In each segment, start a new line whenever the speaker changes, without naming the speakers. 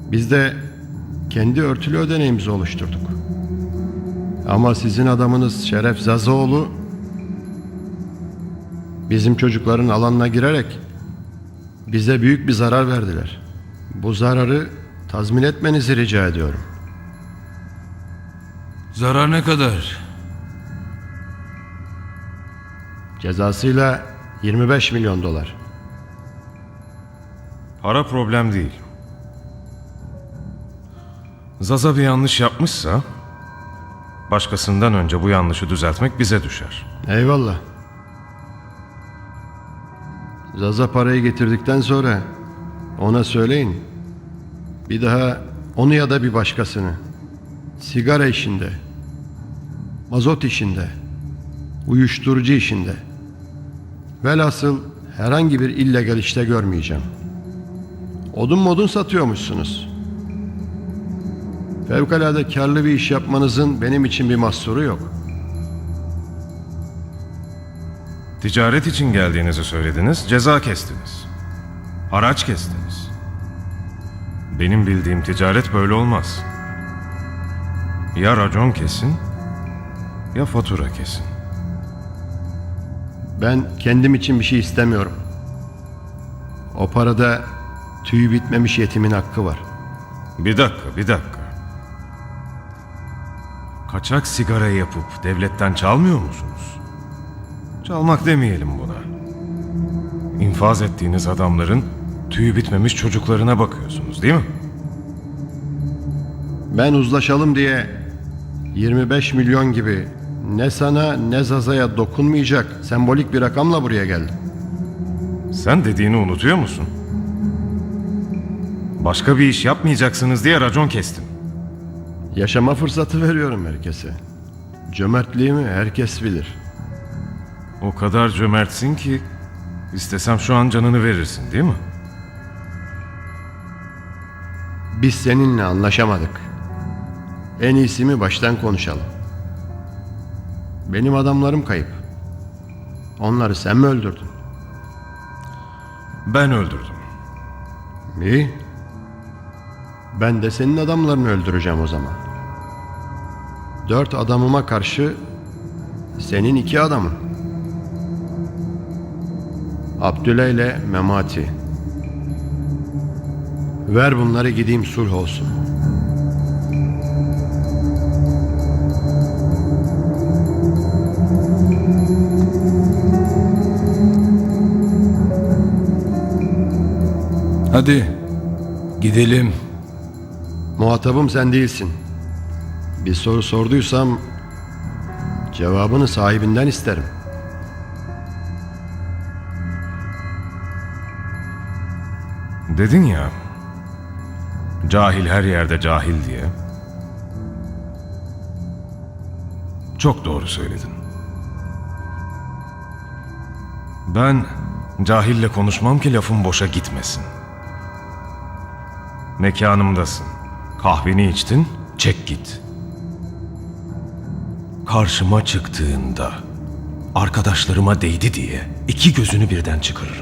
Biz de kendi örtülü ödeneğimizi oluşturduk. Ama sizin adamınız Şeref Zazoğlu bizim çocukların alanına girerek bize büyük bir zarar verdiler. Bu zararı tazmin etmenizi rica ediyorum.
Zarar ne kadar?
Cezasıyla 25 milyon dolar.
Para problem değil. Zaza bir yanlış yapmışsa başkasından önce bu yanlışı düzeltmek bize düşer.
Eyvallah. Zaza parayı getirdikten sonra ona söyleyin. Bir daha onu ya da bir başkasını sigara işinde, mazot işinde, uyuşturucu işinde, velhasıl herhangi bir illegal işte görmeyeceğim. Odun modun satıyormuşsunuz. Fevkalade karlı bir iş yapmanızın benim için bir mahsuru yok.
Ticaret için geldiğinizi söylediniz, ceza kestiniz. Haraç kestiniz. Benim bildiğim ticaret böyle olmaz. Ya racon kesin, ya fatura kesin.
Ben kendim için bir şey istemiyorum. O parada tüyü bitmemiş yetimin hakkı var.
Bir dakika. Kaçak sigara yapıp devletten çalmıyor musunuz? Çalmak demeyelim buna. İnfaz ettiğiniz adamların tüyü bitmemiş çocuklarına bakıyorsunuz, değil mi?
Ben uzlaşalım diye 25 milyon gibi ne sana ne Zaza'ya dokunmayacak sembolik bir rakamla buraya geldim.
Sen dediğini unutuyor musun? Başka bir iş yapmayacaksınız diye racon kestim.
Yaşama fırsatı veriyorum herkese. Cömertliğimi herkes bilir.
O kadar cömertsin ki istesem şu an canını verirsin, değil mi?
Biz seninle anlaşamadık. En iyisi mi baştan konuşalım. Benim adamlarım kayıp. Onları sen mi öldürdün?
Ben öldürdüm.
İyi. Ben de senin adamlarını öldüreceğim o zaman. 4 adamıma karşı senin 2 adamın. Abdüley ile Memati. Ver bunları gideyim sulh olsun.
Hadi gidelim.
Muhatabım sen değilsin. Bir soru sorduysam cevabını sahibinden isterim.
Dedin ya, cahil her yerde cahil diye. Çok doğru söyledin. Ben cahille konuşmam ki lafım boşa gitmesin. Mekanımdasın. Kahveni içtin, çek git. Karşıma çıktığında arkadaşlarıma değdi diye 2 gözünü birden çıkarırım.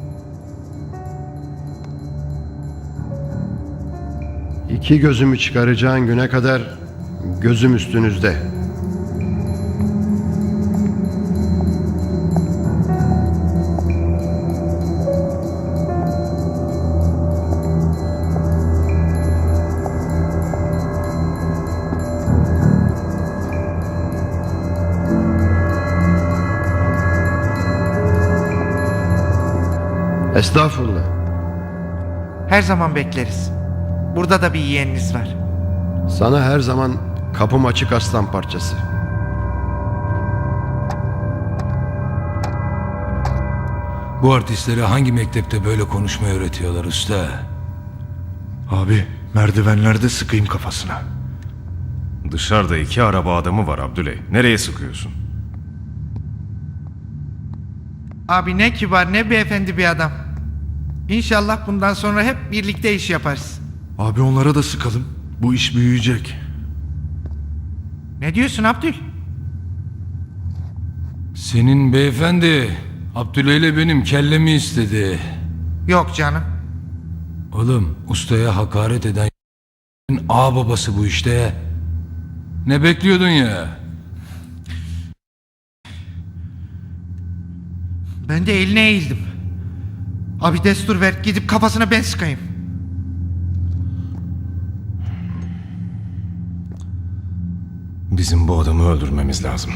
İki gözümü çıkaracağın güne kadar gözüm üstünüzde. Estağfurullah.
Her zaman bekleriz. Burada da bir yeğeniniz var.
Sana her zaman kapım açık aslan parçası.
Bu artistlere hangi mektepte böyle konuşmayı öğretiyorlar usta?
Abi merdivenlerde sıkayım kafasına.
Dışarıda 2 araba adamı var Abdüley. Nereye sıkıyorsun?
Abi ne kibar ne beyefendi bir adam. İnşallah bundan sonra hep birlikte iş yaparız.
Abi onlara da sıkalım. Bu iş büyüyecek.
Ne diyorsun Abdül?
Senin beyefendi Abdüley ile benim kellemi istedi.
Yok canım.
Oğlum ustaya hakaret eden ağ babası bu işte. Ne bekliyordun ya?
Ben de eline eğildim. Abi destur ver, gidip kafasına ben sıkayım.
Bizim bu adamı öldürmemiz lazım.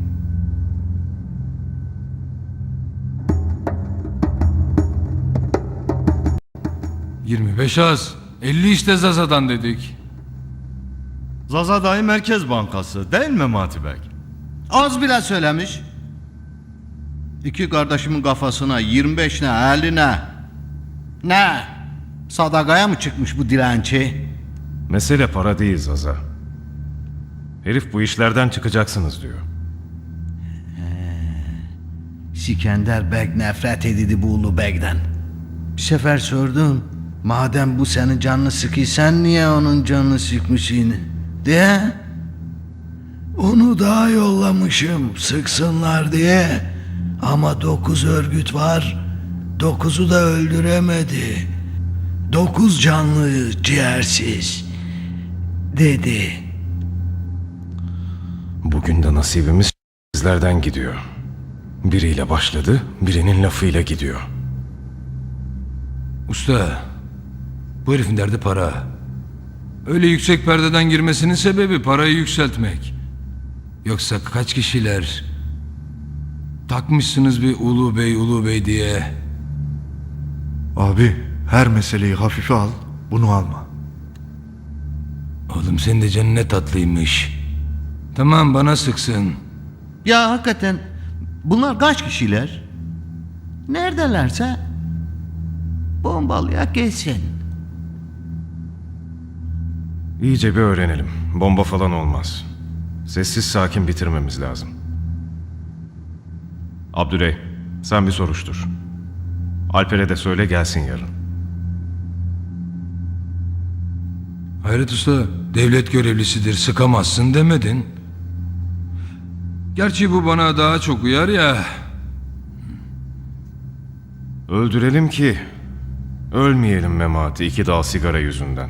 ...25 az. 50 işte Zaza'dan dedik.
Zaza Dahi Merkez Bankası değil mi Memati Bey?
Az bile söylemiş. İki kardeşimin kafasına 25 ne 50 ne? Ne? Sadakaya mı çıkmış bu dilenci?
Mesele para değil Zaza. Herif bu işlerden çıkacaksınız diyor.
Sikender Beg nefret edildi bu Ulu Beg'den. Bir sefer sordum. Madem bu senin canını sıkıyor, sen niye onun canını sıkmışsın? Diye. Onu daha yollamışım sıksınlar diye. Ama 9 örgüt var. 9'u da öldüremedi. 9 canlı ciğersiz. Dedi.
Bugün de nasibimiz sizlerden gidiyor. Biriyle başladı, birinin lafıyla gidiyor.
Usta, bu herifin derdi para. Öyle yüksek perdeden girmesinin sebebi parayı yükseltmek. Yoksa kaç kişiler takmışsınız bir ulu bey diye.
Abi her meseleyi hafife al, bunu alma.
Oğlum senin de canın ne tatlıymış. Tamam bana sıksın.
Ya hakikaten bunlar kaç kişiler? Neredelerse bombalıya gelsin.
İyice bir öğrenelim. Bomba falan olmaz. Sessiz sakin bitirmemiz lazım. Abdüley, sen bir soruştur. Alper'e de söyle gelsin yarın.
Hayret Usta, devlet görevlisidir sıkamazsın demedin. Gerçi bu bana daha çok uyar ya.
Öldürelim ki ölmeyelim Memati 2 dal sigara yüzünden.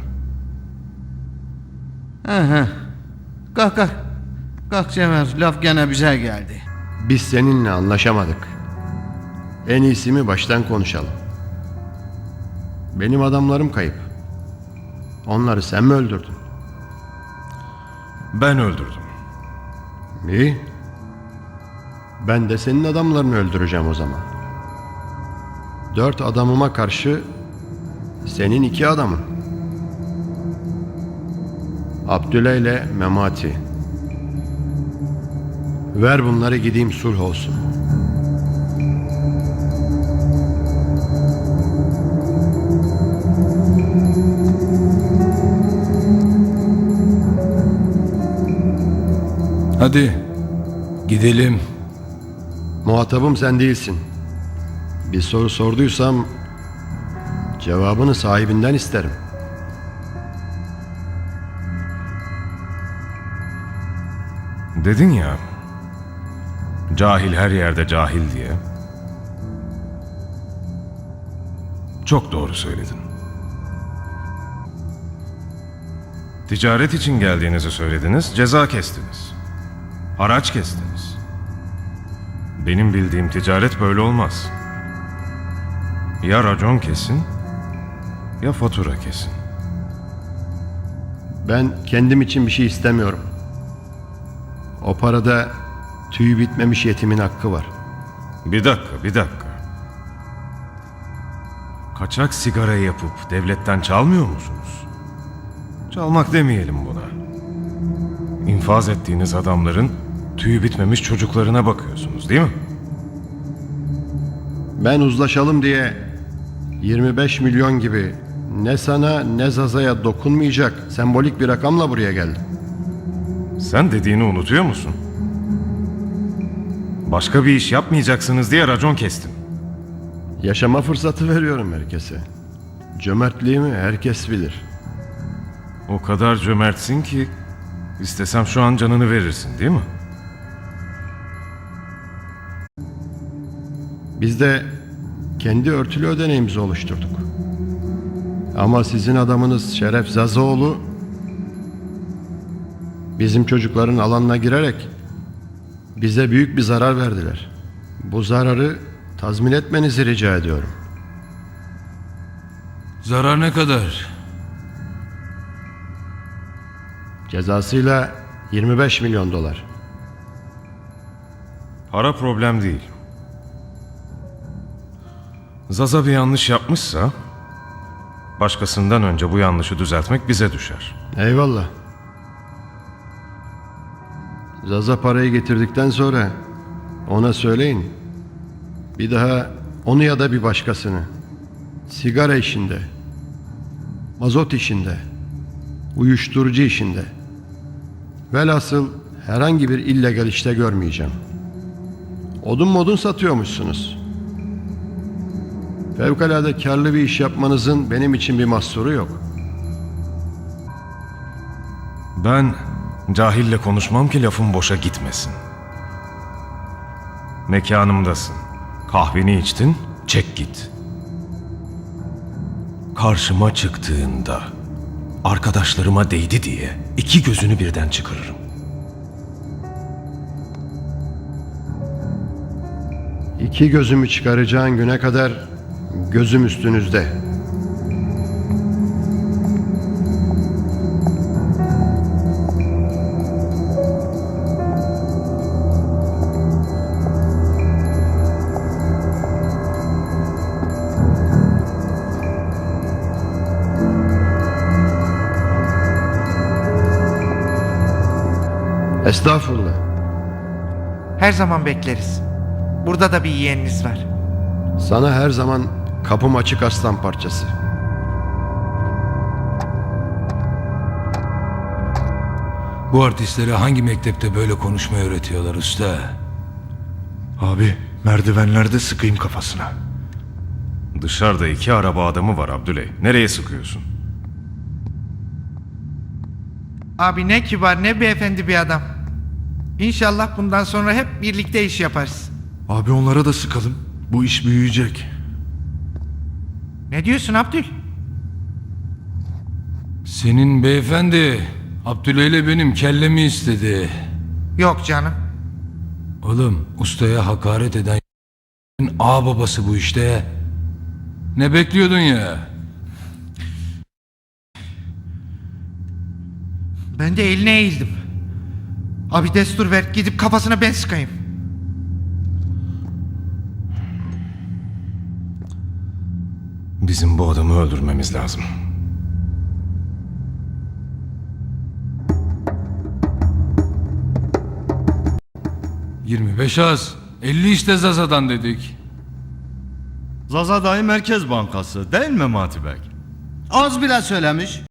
Aha. Kalk kalk. Kalk Cemal, laf gene bize geldi.
Biz seninle anlaşamadık. En iyisi mi baştan konuşalım. Benim adamlarım kayıp. Onları sen mi öldürdün?
Ben öldürdüm.
İyi. Ben de senin adamlarını öldüreceğim o zaman. 4 adamıma karşı senin 2 adamın. Abdüley ile Memati. Ver bunları gideyim sulh olsun.
Hadi gidelim.
Muhatabım sen değilsin. Bir soru sorduysam cevabını sahibinden isterim.
Dedin ya, cahil her yerde cahil diye. Çok doğru söyledin. Ticaret için geldiğinizi söylediniz, ceza kestiniz. Haraç kestiniz. Benim bildiğim ticaret böyle olmaz. Ya racon kesin, ya fatura kesin.
Ben kendim için bir şey istemiyorum. O parada tüyü bitmemiş yetimin hakkı var.
Bir dakika. Kaçak sigara yapıp devletten çalmıyor musunuz? Çalmak demeyelim buna. İnfaz ettiğiniz adamların tüyü bitmemiş çocuklarına bakıyorsunuz değil mi?
Ben uzlaşalım diye 25 milyon gibi ne sana ne Zaza'ya dokunmayacak sembolik bir rakamla buraya geldim.
Sen dediğini unutuyor musun? Başka bir iş yapmayacaksınız diye racon kestim.
Yaşama fırsatı veriyorum herkese. Cömertliğimi herkes bilir.
O kadar cömertsin ki istesem şu an canını verirsin değil mi?
Biz de kendi örtülü ödeneğimizi oluşturduk. Ama sizin adamınız Şeref Zazaoğlu Bizim çocukların alanına girerek bize büyük bir zarar verdiler. Bu zararı tazmin etmenizi rica ediyorum.
Zarar ne kadar?
Cezasıyla 25 milyon dolar.
Para problem değil. Zaza bir yanlış yapmışsa, başkasından önce bu yanlışı düzeltmek bize düşer.
Eyvallah. Zaza parayı getirdikten sonra ona söyleyin. Bir daha onu ya da bir başkasını sigara işinde, mazot işinde, uyuşturucu işinde, velhasıl herhangi bir illegal işte görmeyeceğim. Odun modun satıyormuşsunuz. Fevkalade karlı bir iş yapmanızın benim için bir mahsuru yok.
Ben cahille konuşmam ki lafım boşa gitmesin. Mekanımdasın. Kahveni içtin, çek git. Karşıma çıktığında arkadaşlarıma değdi diye 2 gözünü birden çıkarırım.
İki gözümü çıkaracağın güne kadar gözüm üstünüzde. Estağfurullah.
Her zaman bekleriz. Burada da bir yeğeniniz var.
Sana her zaman kapım açık aslan parçası.
Bu artistlere hangi mektepte böyle konuşmayı öğretiyorlar usta?
Abi merdivenlerde sıkayım kafasına.
Dışarıda 2 araba adamı var Abdüley. Nereye sıkıyorsun?
Abi ne kibar ne beyefendi bir adam. İnşallah bundan sonra hep birlikte iş yaparız.
Abi onlara da sıkalım. Bu iş büyüyecek.
Ne diyorsun Abdül?
Senin beyefendi Abdüley ile benim kellemi istedi.
Yok canım.
Oğlum ustaya hakaret eden ağababası bu işte. Ne bekliyordun ya?
Ben de eline eğildim. Abi destur ver gidip kafasına ben sıkayım.
Bizim bu adamı öldürmemiz lazım.
...25 az. 50 işte Zaza'dan dedik.
Zaza dayı Merkez Bankası değil mi Matibek?
Az bile söylemiş.